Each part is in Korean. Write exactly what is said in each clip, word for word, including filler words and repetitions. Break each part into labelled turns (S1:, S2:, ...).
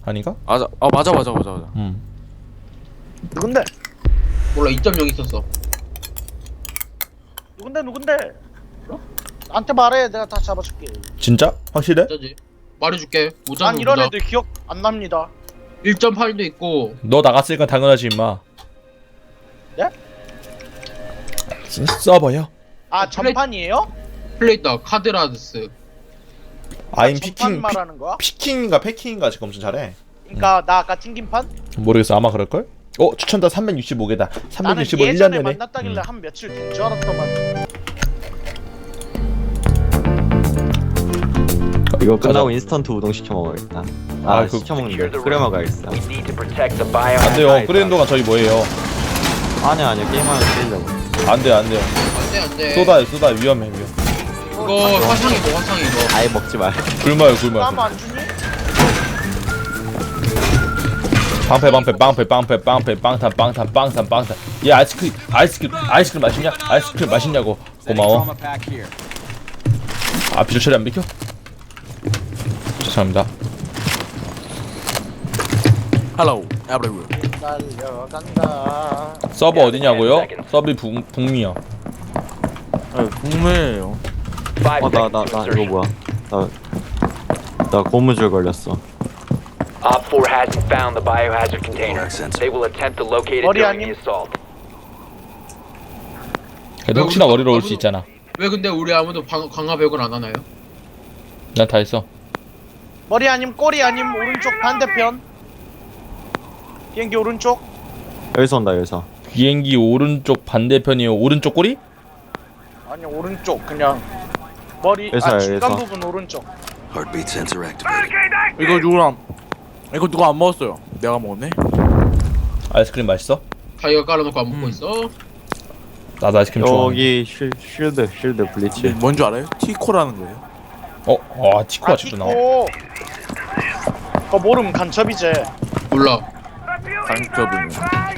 S1: 아닌가?
S2: 맞아. 아 맞아 맞아 맞아 맞아.
S1: 음.
S3: 누군데?
S4: 몰라 이 점 영 있었어.
S3: 누군데 누군데? 나한테 말해. 내가 다 잡아줄게.
S1: 진짜? 확실해?
S4: 진짜지? 말해줄게.
S3: 난
S4: 오장
S3: 이런
S4: 보자.
S3: 애들 기억 안 납니다.
S4: 일 점 팔도 있고.
S1: 너 나갔으니까 당연하지 임마.
S3: 네?
S1: 서- 서버요?
S3: 아
S4: 어, 플레이-
S3: 전판이에요?
S4: 플레이터 카드라드스.
S1: 아임
S3: 전판
S1: 피킹 피,
S3: 말하는 거야?
S1: 피킹인가 패킹인가 지금 엄청 잘해.
S3: 그러니까 나 아까 튕긴 판?
S1: 모르겠어 아마 그럴걸? 어 추천다 삼백육십오 개다.
S3: 나는
S1: 삼백육십오 일 년
S3: 예전에
S1: 전에.
S3: 만났다길래
S1: 음.
S3: 한 며칠 된 줄 알았더만.
S5: 이거
S1: 가자.
S5: 끝나고 인스턴트 우동 시켜 먹어야겠다. 아,
S1: 아, 그-
S5: 시켜 먹는데 끓여 먹어야겠어.
S1: 안 돼요. 끓이는 동안 저희 뭐해요?
S5: 아니야 아니야 게임하면 끓이려고.
S1: 안 돼요 안 돼요.
S4: 안돼 안돼.
S1: 쏘다 쏘다 위험해 위험.
S4: 이거 화상이 뭐 화상이 이거.
S5: 아예 먹지 말.
S1: 굶어요 굶어요.
S3: 나무 안 주니?
S1: 방패 방패 방패 방패 방패 빵탄 빵탄 빵탄 빵탄. 얘 아이스크림 아이스크림 아이스크림 맛있냐? 아이스크림 맛있냐고. 고마워. 아 비주 처리 안 비켜? 죄송합니다.
S2: Hello everyone.
S3: 달려간다.
S1: 서버 어디냐고요? 서버 북 북미요.
S2: 아 궁금해요.
S5: 어나 나 나 이거 뭐야? 나 나 고무줄 걸렸어.
S6: Op four hasn't found the biohazard container. They will attempt to locate it
S3: 머리
S6: during
S3: 아님?
S6: the assault.
S1: 그래도 혹시나 머리로 올 수 있잖아.
S4: 왜 근데 우리 아무도 방, 강화 배역을 안 하나요?
S1: 난 다 했어.
S3: 머리 아님 꼬리 아님 오른쪽 반대편. 비행기 오른쪽.
S5: 여기서 온다 여기서.
S1: 비행기 오른쪽 반대편이요. 오른쪽 꼬리?
S3: 아니 오른쪽 그냥 머리
S5: 여기서요,
S3: 아 중간
S5: 여기서.
S3: 부분 오른쪽.
S7: Heartbeat sensor activated.
S2: 이거 누구랑? 이거 누가 안 먹었어요? 내가 먹었네.
S1: 아이스크림 맛있어?
S4: 자기가 깔아놓고 안 먹고
S2: 음.
S4: 있어.
S1: 나도 아이스크림 좋아해.
S5: 여기 쉴 쉴드 쉴드 블리치.
S2: 뭔줄 알아요? 티코라는 거예요.
S1: 어, 와 치코
S3: 아
S1: 아직도 나와.
S3: 티코. 그거 모르면 간첩이제.
S4: 몰라.
S2: 강급은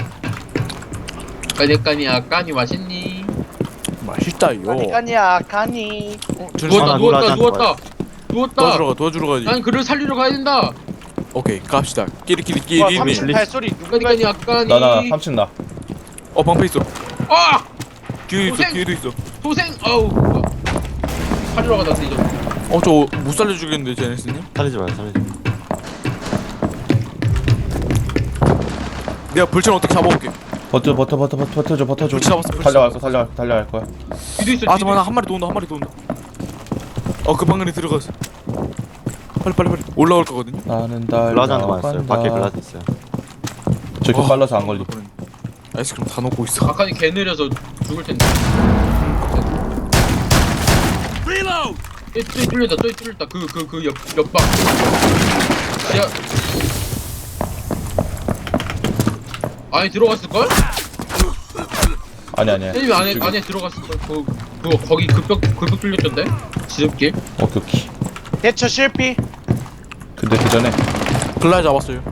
S4: 까니까니야 까니 맛있니?
S2: 맛있다요.
S3: 아니까니야 가니.
S2: 어,
S4: 누웠다
S5: 하나
S4: 누웠다
S5: 놀아줘,
S4: 누웠다 누웠다.
S2: 도와주러 가 도와주러 가지.
S4: 난 그를 살리러 가야 된다.
S2: 오케이 갑시다. 끼리끼리
S3: 와
S2: 끼리.
S3: 삼십팔 소리 누가
S4: 까니까니야 까니.
S1: 나나 삼 층 나.
S2: 어 방패 있어.
S4: 아
S2: 뒤에 있어
S4: 고생!
S2: 뒤에도 있어.
S4: 도생 아우. 살리러 가다 이제.
S2: 어 저 못 살려주겠는데 제네스님?
S5: 살리지 마 살리지 마.
S2: 내가 불ችን 어떻게 잡아볼게.
S1: 버텨 버텨 버텨 버텨 버텨줘 버텨줘.
S2: 그렇지, 잡았어, 그렇지,
S1: 달려갈 거
S2: 잡았어.
S1: 달려갈 거 달려갈 거야.
S4: 뒤도 있어.
S2: 아
S4: 뒤도
S2: 잠깐만
S4: 있어.
S2: 한 마리 더 온다 한 마리 더 온다. 어그 방안에 들어갔어. 빨리 빨리 빨리 올라올 거거든요.
S1: 나는
S5: 블라자한테 맞았어요. 밖에
S1: 달려간다.
S5: 블라자 있어요.
S1: 저렇게
S2: 어,
S1: 빨라서 안 걸리.
S2: 아이스크림 다 넣고 있어.
S4: 아칸이 개 느려서 죽을 텐데. 또 뚫렸다 또 뚫렸다 그 그 그 옆 옆방. 야. 안에 들어갔을 걸?
S1: 아니 아니야.
S4: 혜님이 안에
S1: 이쪽에.
S4: 안에 들어갔을 걸. 그 그거 거기 급벽 급벽 뚫렸던데? 지름길.
S1: 오케이 오케이.
S3: 대처 실패.
S1: 근데 그 전에
S2: 글라이 잡았어요.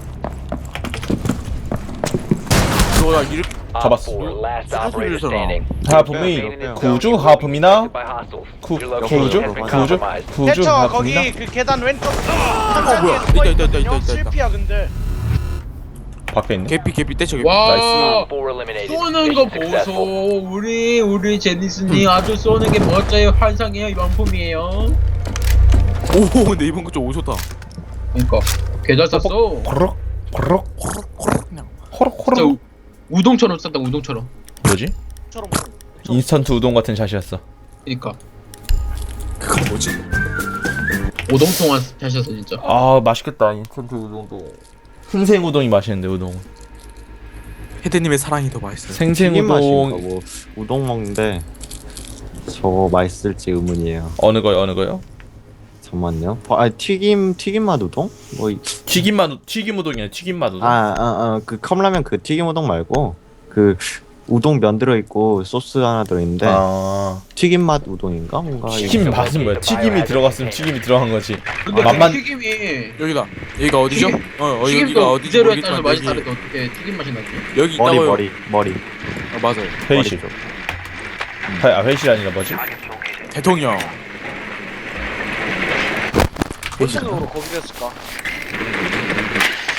S2: 너야 이렇게
S6: Op
S1: 잡았어.
S6: four, last
S2: 무슨
S6: operator
S2: 소리를
S6: standing.
S1: 하품이 구주 하품이나
S6: By hostiles.
S1: 구
S6: Your location
S1: 구주
S6: has been
S1: 구주
S6: compromised.
S1: 구주
S3: 대처
S1: 하품이나
S3: 거기 그 계단 왼쪽.
S2: 어 뭐야 있다 있다 있다 있다 있다.
S3: 실패야 근데.
S1: 밖에 있네.
S2: 개피 개피 떼쳐 개피.
S4: 와.
S6: Op four eliminated.
S4: 쏘는 거
S6: Mission
S4: 보소.
S6: successful.
S4: 우리 우리 제니스님 아주 쏘는 게 멋져요. 환상이에요. 명품이에요.
S2: 오 근데 이번 거좀 오셨다.
S4: 그러니까 개잘 쐈어.
S1: 호럭 호럭
S2: 호락호락 그냥.
S1: 호럭
S4: 진짜
S1: 호럭.
S4: 우, 우동처럼 쐈다 우동처럼.
S1: 뭐지?
S3: 처럼.
S1: 인스턴트 우동 같은 샷이었어.
S4: 그러니까
S2: 그건 뭐지?
S4: 오동통한 샷이었어 진짜.
S1: 아 맛있겠다 인스턴트 우동도. 생생 우동이 맛있는데 우동.
S2: 헤드님의 사랑이 더 맛있어요.
S1: 생생
S5: 튀김 맛인가
S1: 우동
S5: 뭐 우동 먹는데 저거 맛있을지 의문이에요.
S1: 어느 거요 어느 거요?
S5: 잠만요. 아 튀김 튀김 맛 우동? 뭐
S1: 튀김 맛 튀김 우동이야 튀김 맛 우동.
S5: 아아아그 컵라면 그 튀김 우동 말고 그 우동 면 들어 있고 소스 하나 들어 있는데
S1: 아
S5: 튀김 맛 우동인가 뭔가
S1: 튀김 맛은 뭐야? 튀김이 들어갔으면 튀김이 들어간 거지.
S4: 근데
S1: 아, 맛만-
S4: 그 튀김이
S2: 여기다. 여기가 어디죠?
S4: 튀김-
S2: 어, 어 여기가
S4: 튀김도
S2: 어디지
S4: 이대로에
S2: 모르겠지만
S4: 따라서 맛이
S2: 여기
S4: 다르게 어떻게 튀김 맛이 나지?
S2: 여기
S5: 머리
S2: 있다고요.
S5: 머리 머리
S2: 어, 맞아요.
S1: 회의실. 회- 아 회의실 아니라 뭐지?
S2: 대통령.
S3: 무슨 으로 거기 됐을까?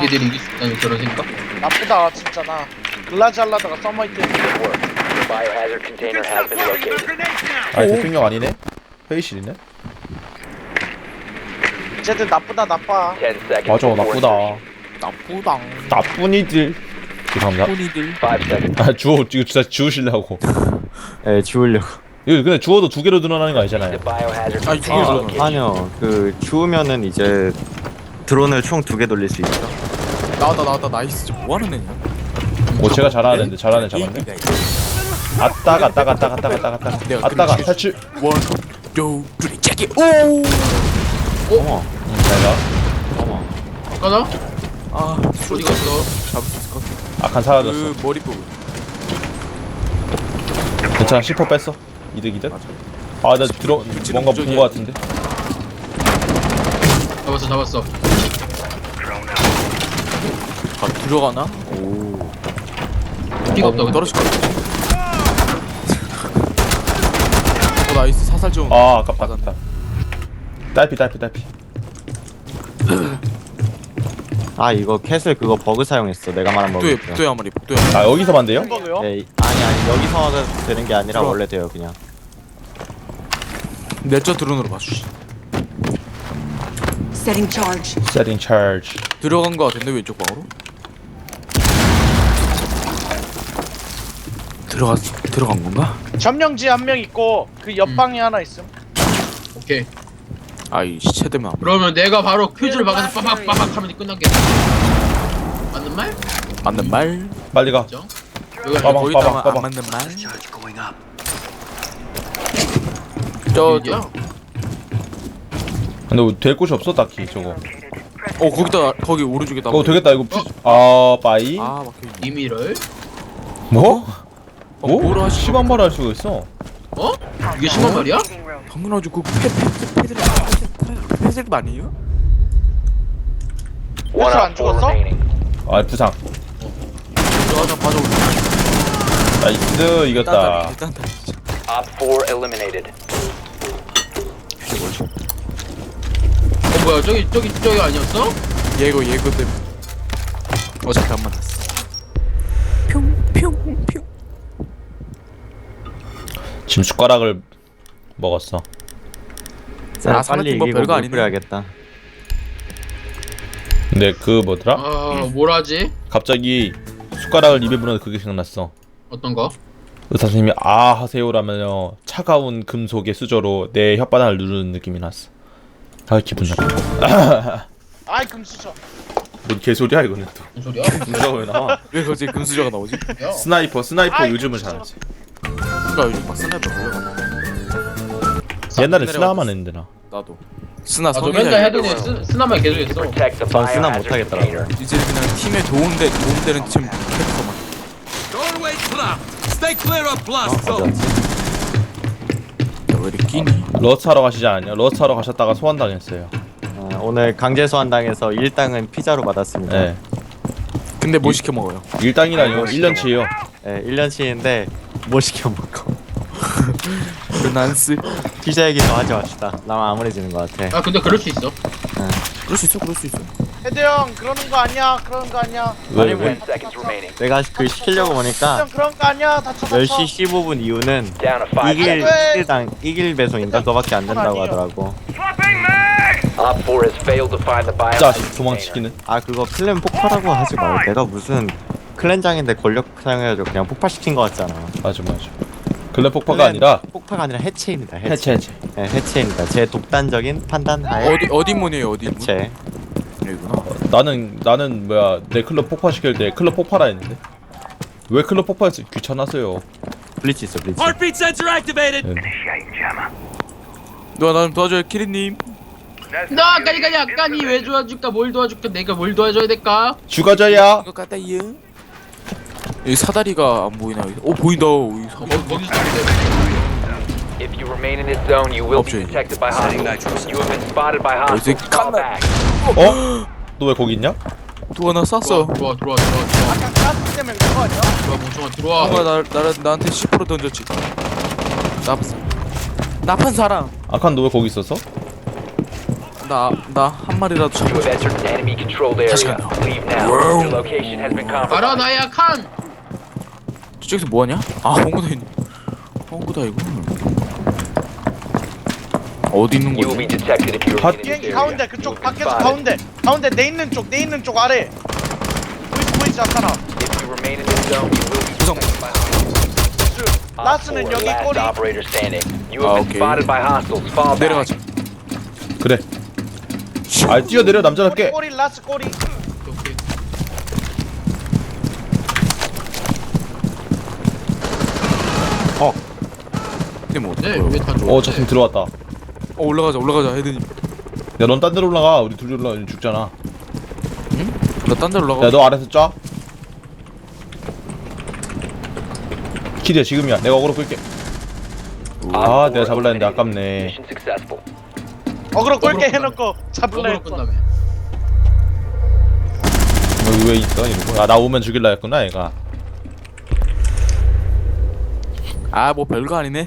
S4: 니들이 이길 수 있다는 그런 생각?
S3: 나쁘다 진짜 나 글라지 하려다가 서머히트
S6: The biohazard container has been located.
S1: 아니 대통령 아니네? 회의실이네?
S3: 쟤들 나쁘다 나빠.
S6: Ten seconds.
S1: 맞아
S6: before
S1: 나쁘다.
S2: 나쁘당.
S1: 나쁜 이들. 죄송합니다.
S2: 혼이들.
S6: Five seconds.
S1: 아 주워 이거 진짜 지우시려고.
S5: 예, 지우려고.
S1: 이거 근데 주워도 두 개로 늘어나는 거 아니잖아요.
S6: The biohazard
S2: 아니,
S6: container
S2: 아,
S6: location.
S5: 아니요, 그 주우면은 이제 드론을 총 두 개 돌릴 수 있어.
S2: 나왔다 나왔다 나이스. 저 뭐하는 애냐?
S1: 오 제가 잘하는데 잘하는 잡았네. 아따 갔다 갔다 갔다 갔다 갔다.
S2: 내가
S1: 아따가
S2: 그림
S1: 탈출.
S2: 원, 투, 쓰리, 체크. 오.
S5: 어머,
S1: 응, 잘 가.
S5: 어머.
S4: 가자.
S2: 아,
S4: 어디 갔어?
S2: 잡을 수 있을 것 같아.
S1: 아칸 사라졌어.
S2: 그 머리 부분.
S1: 괜찮아 십 퍼센트 뺐어. 이득 이득. 아 나 들어 뭔가 본 거 같은데.
S4: 잡았어 잡았어.
S2: 아, 들어가나?
S5: 오.
S4: 피가 없다.
S2: 어, 떨어질 것 같아. 어, 나이스. 사살 좀.
S1: 아 아깝다 아깝다. 딸피 딸피 딸피.
S5: 아, 이거 캐슬 그거 버그 사용했어. 내가 말한 버그.
S2: 복도에 복도에 한 마리. 복도에 한 마리.
S1: 아 여기서 만돼요?
S3: 햄버거요?
S5: 네, 아니 아니 여기서 되는 게 아니라
S2: 들어와.
S5: 원래 돼요 그냥.
S2: 내저 드론으로 봐주시.
S8: Setting charge.
S1: Setting charge.
S2: 들어간 거 같은데 왼쪽 방으로? 들어갔 들어간 건가?
S3: 점령지 한 명 있고 그 옆방에 하나 있음.
S4: 오케이.
S2: 아이 시체 되면 안
S4: 그러면 내가 바로 퀴즈를 막아서 빠박 빠박 하면 끝나겠다. 맞는 말?
S2: 맞는 말.
S1: 빨리 가.
S4: 그죠? 여기
S1: 빠박,
S2: 거기다가
S1: 빠박,
S2: 안
S1: 빠박.
S2: 맞는 말.
S7: Charge going up.
S2: 저저
S4: 어디야?
S1: 근데 될 곳이 없어 딱히 저거.
S2: 어 거기다 거기 오른쪽에다.
S1: 어 되겠다 이거. 퓨... 아 빠이.
S2: 아 막혀.
S4: 이미를?
S1: 뭐?
S2: 어,
S1: 뭐?
S2: 뭐라 하시-
S1: 십만 발 할 수가 있어.
S4: 어? 이게 심한 말이야?
S2: 당연하죠. 그 패, 패, 패들 패들 아니에요?
S6: One
S3: 안
S6: op four
S3: 죽었어?
S6: remaining.
S1: 아 부상.
S2: 저하나 봐줘.
S1: 나이스 이겼다.
S2: 일단 다 진짜.
S6: Op four eliminated.
S4: 어 뭐야 저기 저기 저기 아니었어?
S2: 예고 예고 때문에. 어차피 안 만났어. 평평평.
S1: 지금 숟가락을 먹었어.
S5: 자,
S2: 아,
S5: 빨리
S2: 삼각김밥
S5: 이기고
S2: 별거
S5: 물
S2: 아니네.
S5: 뿌려야겠다.
S1: 근데 그 뭐더라?
S4: 아 뭐라지?
S1: 갑자기 숟가락을 입에 물었는데 그게 생각났어.
S4: 어떤 거?
S1: 의사 선생님이 아 하세요라면요 차가운 금속의 수저로 내 혓바닥을 누르는 느낌이 났어. 아 기분 나빠.
S3: 아이 금수저.
S1: 뭔 개소리야 이거는 또.
S4: 무슨 소리야?
S1: 금수저가 왜 나와?
S2: 왜 갑자기 금수저가 나오지?
S4: 야.
S1: 스나이퍼 스나이퍼
S3: 아이,
S1: 요즘은
S3: 금수저.
S1: 잘하지.
S2: 그니까 요즘 막 스나이퍼 걸려.
S1: 옛날에 스나만 했는데 나.
S2: 나도. 스나
S4: 아저
S2: 성이
S4: 맨날
S2: 잘
S4: 해도 돼. 스- 스나만 계속 했어.
S6: Protect the
S5: 전 쓰나
S6: biohazard
S5: 못하겠더라고요.
S6: container.
S2: 이제 그냥 팀에 도움돼 도움되는 팀 캐릭터만.
S5: 어, 어디 갔지?
S2: 왜 이렇게 끼니?
S1: 러스 하러 가시지 않았냐? 러스 하러 가셨다가 소환당했어요.
S5: 어, 오늘 강제 소환당해서 일당은 피자로 받았습니다.
S1: 네.
S2: 근데 뭐 시켜 먹어요?
S1: 일당이라뇨. 일 년치예요.
S5: 네, 일 년치인데 뭐 시켜 먹고.
S2: 르난스.
S5: 피자 얘기 더 하지 맙시다. 나만 암울해지는 것 같아.
S4: 아 근데 그럴 수 있어.
S2: 그럴 수 있어, 그럴 수 있어.
S3: 헤드 형 그러는 거 아니야. 그러는 거 아니야.
S1: 왜
S5: 아니,
S1: 왜?
S5: 왜?
S6: Ten seconds remaining.
S5: 내가 그 시키려고
S3: 헤드
S5: 보니까
S3: 형 그런 거 아니야. 다쳐
S5: 열
S3: 다쳐.
S5: 시 십오 분 이후는
S6: Down to five
S5: 이길
S6: seconds.
S5: 이길당 이길 배송인가 그거밖에 안 된다고 하더라고.
S6: Op four has failed to find the biohazard
S1: 자식
S6: container.
S1: 도망치기는.
S5: 아 그거 클랜 폭발하고 하지 마. 내가 무슨 클랜장인데 권력 사용해가지고 그냥 폭발시킨 거 같잖아.
S1: 맞아 맞아. 글래 폭파가 아니라
S5: 폭파가 아니라 해체입니다. 해체.
S1: 해체 해체.
S5: 네, 해체입니다. 제 독단적인 판단 하에
S2: 어디 어디 문이에요, 어디 문?
S5: 해체.
S2: 여기구나.
S1: 나는 나는 뭐야 내 클럽 폭파시킬 때 클럽 폭파라 했는데 왜 클럽 폭파했어? 귀찮았어요.
S5: 블리치 있어 블리치.
S1: 네.
S2: 누가 나 좀 도와줘요, 키리님.
S4: 나 아까니 아까니 아까니 왜 도와줄까? 뭘 도와줄까? 내가 뭘 도와줘야 될까?
S1: 죽어줘야.
S2: 이거 까다이요. 여기 사다리가 안 보이나? 여기? 어 보인다. 여기
S4: 거,
S2: 사다리.
S4: 거기서 있는데.
S6: If you remain in this zone, you will be
S2: Option.
S6: detected by hostiles. You have been spotted by
S2: 이제
S6: hostiles. Fall
S2: 칸나.
S6: back.
S1: 어? 너 왜 거기 있냐?
S2: 누가 나 쐈어.
S4: 들어와 들어와 들어와 들어와
S3: 아까 가스 때문에 그거 아니야?
S4: 들어와 멍청아 들어와.
S2: 누가 나 나 나한테 십 퍼센트 던졌지. 나쁜 나쁜 사람.
S1: 아칸 너 왜 거기 있었어?
S2: 나나 한 마리라도
S6: You
S2: 잡고
S6: have entered an enemy controlled area. Leave now. Your location has been
S4: 알아
S6: compromised.
S4: 나야 칸.
S2: 저쪽에서 뭐하냐? 아 홍구다 있네. 홍구다 이거 어디 있는
S6: You will be
S2: 거지?
S6: detected if you remain in this
S3: 비행기
S6: area.
S3: 가운데
S6: You
S3: 그쪽
S6: will be
S3: 밖에서
S6: spotted.
S3: 가운데 가운데 내 있는 쪽 내 있는 쪽 아래 보이지 보이지 않잖아.
S6: If you remain in this zone, you will be
S2: 구성.
S6: detected by hostiles. Op
S3: 라스는
S6: four,
S3: 여기
S6: last
S3: 꼬리.
S6: operator standing. You
S2: 아,
S6: have been
S2: 오케이.
S6: spotted by hostiles. Fall back.
S2: 내려가자.
S1: 그래. 아 뛰어내려 남자답게.
S3: 꼬리 꼬리 라스 꼬리.
S4: 오케이.
S2: 근데 뭐
S4: 네,
S2: 어떡해요?
S4: 왜다 줘?
S1: 어 저팀 들어왔다.
S2: 어 올라가자 올라가자 헤드님.
S1: 야 넌 딴 데로 올라가. 우리 둘이 올라가면 죽잖아.
S2: 나 딴 데로 올라가.
S1: 야 너 아래서 쫙. 키리야 지금이야. 내가 어그로 끌게. 아 내가 잡을라 했는데 아깝네.
S6: Mission successful.
S3: 어그로 꼴게
S4: 어그로
S3: 해놓고 잡을라
S4: 어그로
S3: 했어.
S4: 끝나면.
S1: 여기 왜 있어 이러고. 아나 오면 죽일라 했구나 얘가.
S2: 아 뭐 별거 아니네.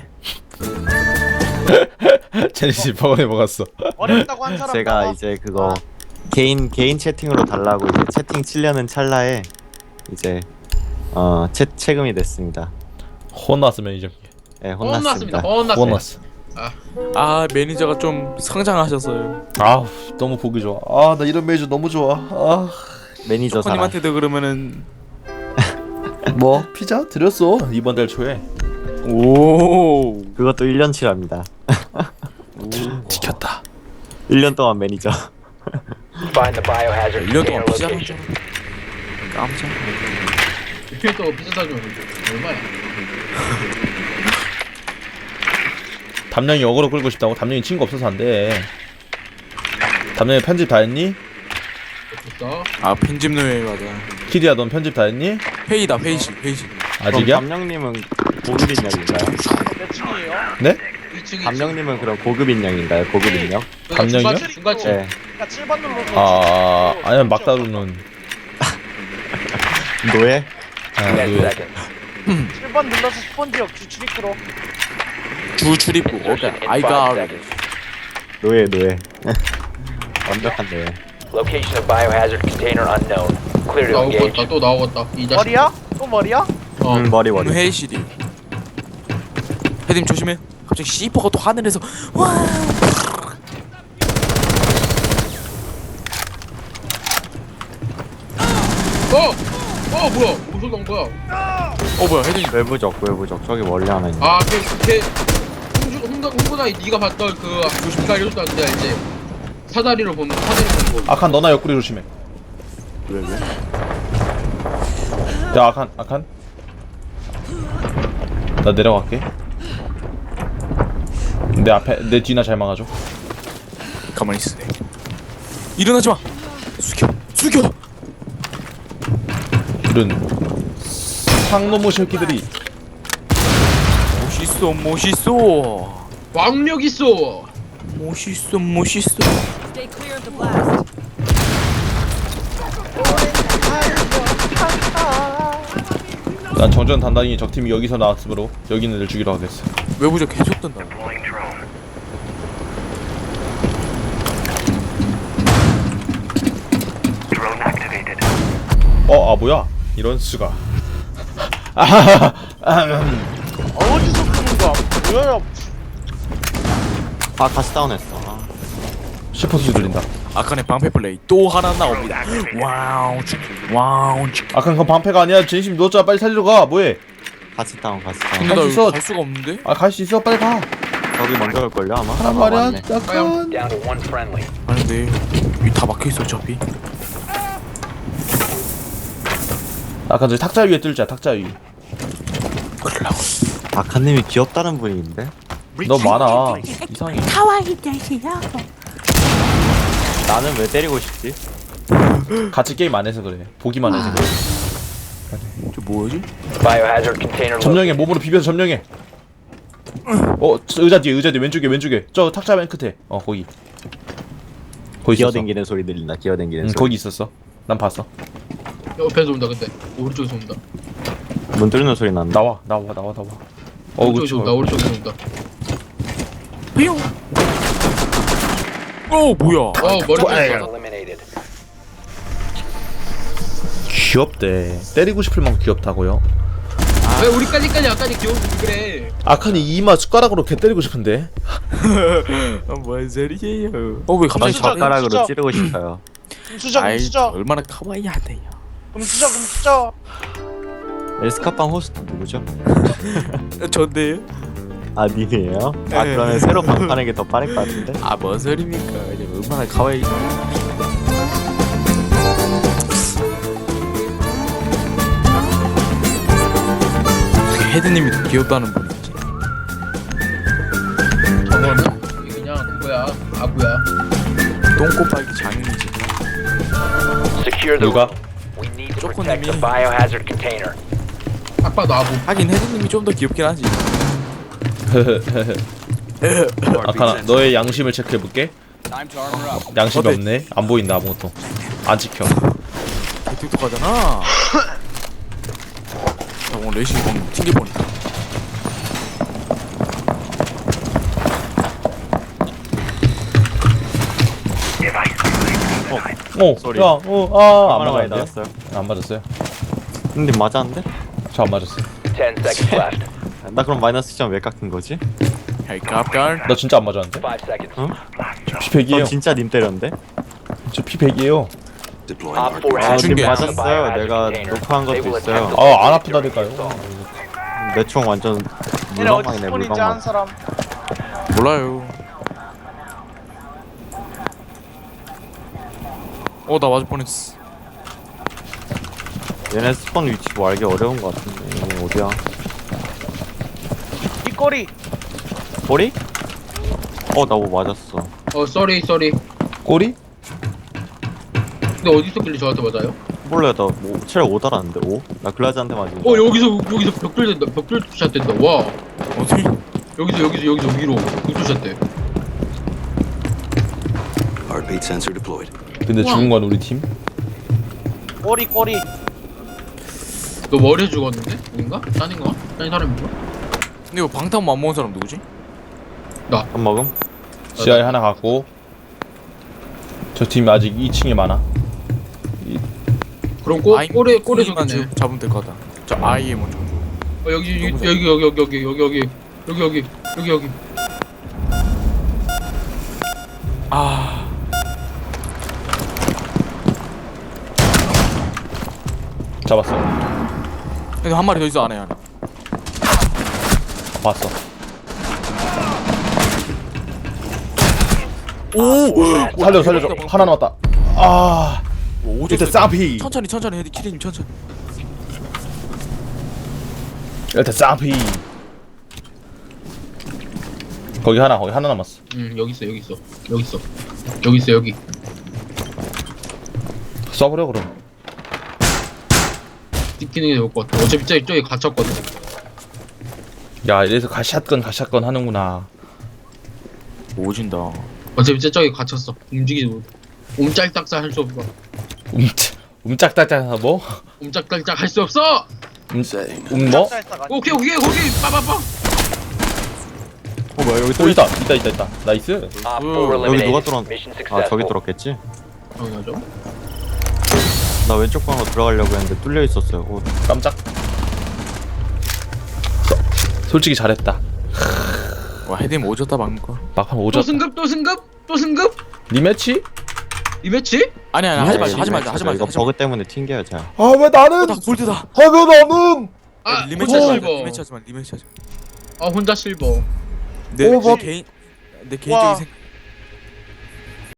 S1: 제니씨 병원에 먹었어.
S3: 어렵다고 한 사람
S5: 제가
S3: 나와.
S5: 이제 그거 개인 개인 채팅으로 달라고 이제 채팅 치려는 찰나에 이제 어 채, 채금이 됐습니다.
S1: 혼났으면 이제
S5: 예,
S4: 혼났습니다.
S5: 혼났습니다.
S4: 혼났어요.
S1: 혼났어.
S2: 아 매니저가 좀 성장하셨어요.
S1: 아우 너무 보기 좋아. 아 나 이런 메이저 너무 좋아. 아
S5: 매니저 사람.
S2: 초코님한테도 그러면은
S1: 뭐 피자 드렸어 이번 달 초에.
S2: 오.
S5: 그것도 일 년치랍니다.
S1: 지켰다.
S5: 일 년 동안 매니저.
S6: Find the biohazard
S2: 일 년 동안
S6: container
S2: 피자를
S6: location.
S2: 깜짝.
S4: 이렇게 또 비싸 사주면 얼마야?
S1: 담령이 어그로 끌고 싶다고. 담령이 친구 없어서 안 돼. 담령이 편집 다 했니?
S4: 비싸.
S2: 아 편집 노예 맞아.
S1: 키리야 넌 편집 다 했니?
S2: 회의다 회의실 회의실.
S1: 아직이야?
S5: 그럼 담령님은 고급 인력인가요?
S3: 몇 층이에요?
S1: 네?
S4: 이 층이
S5: 담령님은 그럼 고급 인력인가요? 고급 인력?
S1: 담령이요?
S4: 중간층.
S5: 네.
S3: 그러니까 칠 번 눌러서.
S1: 아 아니면 막다루는.
S5: 노예?
S1: 아,
S6: ten
S1: 그,
S6: seconds.
S3: 칠 번 눌러서 스펀지역 주출입구로.
S2: 주 출입구. 오케이.
S6: Insertion in
S2: I
S6: five
S2: got it.
S6: seconds.
S5: 노예 노예. 완벽한 노예.
S6: Location of biohazard container unknown. Clear to
S4: 나오겠다.
S6: engage.
S4: 또 나오겠다. 이 자식.
S3: 머리야? 또 머리야?
S4: 어.
S5: 음, 머리 머리.
S2: 오늘 회의실이. 헤드님 조심해. 갑자기 씨퍼가 또 하늘에서 와.
S4: 어! 어 뭐야? 무슨 건 거야?
S2: 어 뭐야 헤드님.
S5: 외부적 외부적 저기 멀리 하나 있네.
S4: 아, 걔, 걔, 홍주, 홍다, 홍보다 네가 봤던 그 조심가 이랬다는데 알지? 사다리로 보는, 사다리 보는 거.
S1: 아칸 너나 옆구리 조심해.
S5: 왜 왜?
S1: 야 아칸 아칸. 나 내려갈게. 내 앞에 내 뒤나 잘 막아줘.
S2: 가만히 있으 일어나지 마. 숙여 숙여.
S1: 이런 상놈의 새끼들이.
S2: 멋있어 멋있어
S4: 왕력 있어!
S2: 멋있어 멋있어.
S8: Stay clear of the blast.
S1: 난 정전 단단히 적팀이 여기서 나왔으므로 여기 있는 애들 죽이러 가겠어.
S2: 외부적 계속 뜬다.
S1: 어, 아 뭐야? 이런 수가. 아하하.
S3: 어디서 끄는 거야? 뭐야?
S5: 아 가스 다운했어. 아.
S1: 슈퍼 수 들린다.
S2: 아칸의 방패 플레이 또 하나 나옵니다. 와우 치 와우 치.
S1: 아칸 그건 방패가 아니야. 진심 누웠잖아. 빨리 살리러 가. 뭐해?
S5: 가스 다운 가스 다운.
S2: 근데 나
S1: 수
S2: 여기
S1: 있어.
S2: 갈 수가 없는데?
S1: 아 갈 수 있어. 빨리 가.
S5: 저기 먼저 갈 걸요 아마.
S1: 하란
S5: 아,
S1: 말이야.
S5: 맞네.
S1: 아칸.
S6: Down to one friendly.
S2: 아니 근데 여기 다 막혀있어 어차피.
S1: 아칸 저기 탁자 위에 뜰자. 탁자 위.
S2: 그러려고.
S5: 아카님이 귀엽다는 분인데.
S1: 너 많아. 이상해.
S5: 나는 왜 때리고 싶지?
S1: 같이 게임 안 해서 그래. 보기만 해서 그래.
S2: 저 뭐지?
S6: Biohazard container
S1: 점령해.
S6: located.
S1: 몸으로 비벼서 점령해. 어, 저 의자 뒤에, 의자 뒤에, 왼쪽에, 왼쪽에. 저 탁자 맨 끝에. 어, 거기. 거기 있었어.
S5: 기어댕기는 소리 들린다. 기어댕기는
S1: 응,
S5: 소리.
S1: 거기 있었어. 난 봤어.
S4: 옆에서 온다, 근데. 오른쪽에서 온다.
S5: 문 뚫는 소리 난다.
S1: 나와, 나와, 나와, 나와. 어,
S4: 오른쪽에서
S1: 그치.
S4: 온다, 오른쪽에서 온다.
S2: 뿅. 오 뭐야?
S4: 어 머리 쳤어.
S6: Eliminated.
S1: 귀엽대. 때리고 싶을 만큼 귀엽다고요?
S4: 왜 우리까지까지 아까지 귀여운 그래.
S1: 아칸이 이마 숟가락으로 개 때리고 싶은데.
S2: 어, 뭔 소리예요? 어왜
S5: 전
S2: 갑자기
S3: 수저,
S5: 젓가락으로
S3: 수저.
S5: 찌르고 싶어요.
S3: 금수저
S2: 아이
S3: 금수저
S2: 얼마나 카와이하대요.
S3: 금수저 금수저.
S5: 에스카빵 호스트 누구죠?
S2: 전데요?
S5: 아 님이에요? 아 그러면 새로 방파는 게 더 빠를 것 같은데?
S2: 아뭔 소리입니까? 이제 얼마나 카와이. 어떻게 헤드님이 더 귀엽다는 분이지?
S4: 저거는 그냥 그거야. 아구야.
S2: 똥꼬파기 장인이지.
S6: Secure the
S1: 누가?
S6: room. We need to
S2: 조금
S6: protect the
S2: 이미-
S6: biohazard container.
S4: 딱 봐도 아구.
S2: 하긴 헤드님이 좀 더 귀엽긴 하지.
S1: 아칸아 너의 양심을 체크해볼게. 양심이
S2: 어때?
S1: 없네. 안 보인다 아무것도. 안 지켜.
S2: 똑똑하잖아. 나 오늘 레이싱 방금 튕겨보니까.
S1: 어,
S5: 쏘리.
S1: 야, 어, 아, 안
S5: 얼마나 많이
S1: 맞았는데?
S5: 나왔어요?
S1: 안 맞았어요.
S5: 근데 맞았는데?
S6: 네.
S1: 저 안 맞았어요.
S6: Ten seconds left.
S5: 나 그럼 마이너스 점 왜 깎은 거지?
S2: 헤이 깝깔.
S1: 나 진짜 안 맞았는데?
S6: Five seconds.
S1: 저 피 백이에요.
S5: 전 진짜 님 때렸는데?
S1: 저 피 백이에요.
S7: Deploying
S6: Op four
S7: heartbeat.
S5: 아,
S6: has
S2: 님
S5: 님
S6: found the
S5: 맞았어요.
S6: biohazard
S5: 내가
S6: container.
S5: 녹화한
S6: They
S5: 것도
S6: will
S5: 있어요.
S6: attempt to
S1: 아, 안
S6: locate during
S1: 아프다니까요.
S6: assault.
S5: 내 총 완전
S3: 얘네 어디
S5: 물방망이네
S3: 스폰인지 아는
S5: 물방망.
S3: 사람.
S2: 몰라요. 어 나 맞을 뻔했어.
S5: 얘네 스폰 위치 뭐 알기 어려운 것 같은데. 이거 어디야?
S3: 이 꼬리.
S5: 꼬리? 어, 나 뭐 맞았어.
S4: 어 쏘리 쏘리.
S1: 꼬리?
S4: 근데 어디서 길리 저한테 맞아요?
S5: 몰라요, 나뭐 체력 오 달았는데 오? 나 글라즈한테 맞은 거.
S4: 어 여기서 여기서 벽돌 된다. 벽돌 샷 된다. 와.
S2: 어디?
S4: 여기서 여기서 여기서 위로 벽돌 샷 돼.
S7: Heartbeat sensor deployed.
S1: 근데
S4: 우와.
S1: 죽은 건 우리 팀?
S3: 꼬리 꼬리.
S4: 너 머리에 죽었는데? 아닌가? 딴인가? 딴 사람인가?
S2: 근데 이거 방탄 안 먹은 사람 누구지?
S5: 밥 먹음?
S1: 지하에 하나 갖고 저 팀 아직 이 층에 많아.
S4: 그럼 꼬
S2: 아이,
S4: 꼬리 꼬리
S2: 만
S4: 죽었네.
S2: 잡으면 될 것 같다. 저 아이의 먼저.
S4: 어 여기 여기
S2: 너무
S4: 여기 여기 여기 여기 여기 여기 여기 여기 여기 여기.
S2: 아
S1: 잡았어.
S2: 근데 한 마리 더 있어 안에 하나.
S1: 봤어.
S2: 오
S1: 살려줘, 살려줘. 하나 남았다. 아,
S2: 오
S1: 일단 쌍피.
S2: 천천히 천천히 헤드 키리님 천천히.
S1: 일단 쌍피. 거기 하나, 거기 하나 남았어.
S4: 응 여기 있어 여기 있어 여기 있어 여기 있어 여기.
S1: 쏴버려 그럼.
S4: 찍히는 게 좋을 것 같아. 어차피 저기 저기 갇혔거든.
S1: 야, 이래서 가샷건 가샷건 하는구나.
S2: 오진다.
S4: 어차피 저기 갇혔어. 움직이지 못. 옴짤딱짝 할 수 없어.
S1: 움 움짝딱짝 뭐?
S4: 옴짝달짝 할 수 없어.
S1: 음, 음 뭐?
S3: 짝살사가.
S4: 오케이 오케이 거기 빠빠빠.
S5: 어, 뭐야, 여기
S1: 오
S5: 또
S1: 있다, 있다, 있다, 있다. 나이스.
S6: Op four
S5: 여기 누가
S6: eliminated.
S5: 뚫었?
S6: Mission
S5: 아, 저기
S6: successful.
S5: 뚫었겠지?
S4: 당연하죠.
S5: 나 왼쪽 방으로 들어가려고 했는데 뚫려 있었어요. 오,
S1: 깜짝. 소- 솔직히 잘했다.
S2: 와 헤드님 오졌다 방금 거.
S1: 막판
S4: 또
S1: 오졌다.
S4: 승급 또 승급 또 승급.
S1: 리매치?
S4: 이 매치?
S2: 아니 아니 하지 말자 하지 말자 하지
S5: 이거
S2: 말자. 하지
S5: 버그
S2: 말자.
S5: 때문에 튕겨요, 제가.
S1: 아 왜 나는?
S2: 나 골드다.
S1: 아 왜 나는?
S4: 아
S2: 리매치
S4: 혼자
S2: 하지 말자.
S4: 실버.
S2: 리매치 하지 마. 리매치 하지 마.
S4: 아 혼자 실버.
S2: 내,
S1: 오, 뭐-
S2: 내 개인 내 개인적인
S3: 와.
S2: 생